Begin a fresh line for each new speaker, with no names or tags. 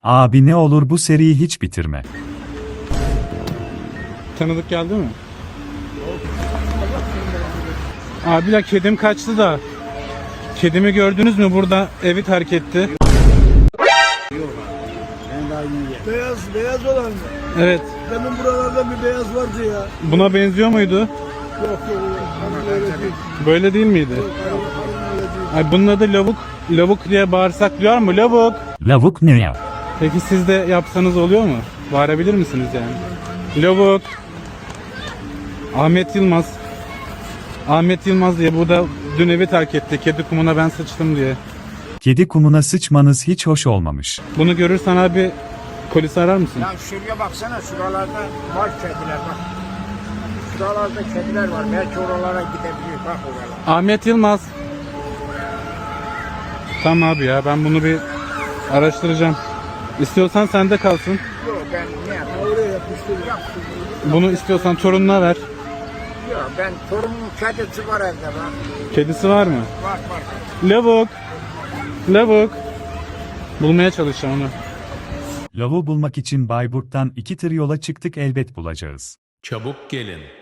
Abi ne olur bu seriyi hiç bitirme.
Tanıdık geldi mi? Abiler kedim kaçtı da. Kedimi gördünüz mü? Burada evi terk etti.
Beyaz olan mı?
Evet.
Demin buralarda bir beyaz vardı ya.
Buna benziyor muydu?
Yok. Öyle değil.
Böyle değil miydi? Ay bunun adı lavuk. Lavuk diye bağırsak duyar mı? Lavuk.
Lavuk ne ya?
Peki siz de yapsanız oluyor mu? Bağırabilir misiniz yani? Lavuk. Ahmet Yılmaz. Ahmet Yılmaz diye burada dün evi terk etti. Kedi kumuna ben sıçtım diye.
Kedi kumuna sıçmanız hiç hoş olmamış.
Bunu görürsen abi polisi arar mısın?
Ya şuraya baksana, şuralarda var kediler bak. Şuralarda kediler var, belki oralara gidebilir, bak oralara.
Ahmet Yılmaz. Tamam abi ya, ben bunu bir araştıracağım. İstiyorsan sende kalsın.
Yok ben ne yapayım?
Oraya yapmıştır.
Yaptım.
Bunu istiyorsan torununa ver.
Yok ben torunumun kedisi var evde bak.
Kedisi var mı?
Var.
Lavuk. Lavuk. Bulmaya çalışacağım onu.
Lavuğu bulmak için Bayburt'tan 2 tır yola çıktık, elbet bulacağız.
Çabuk gelin.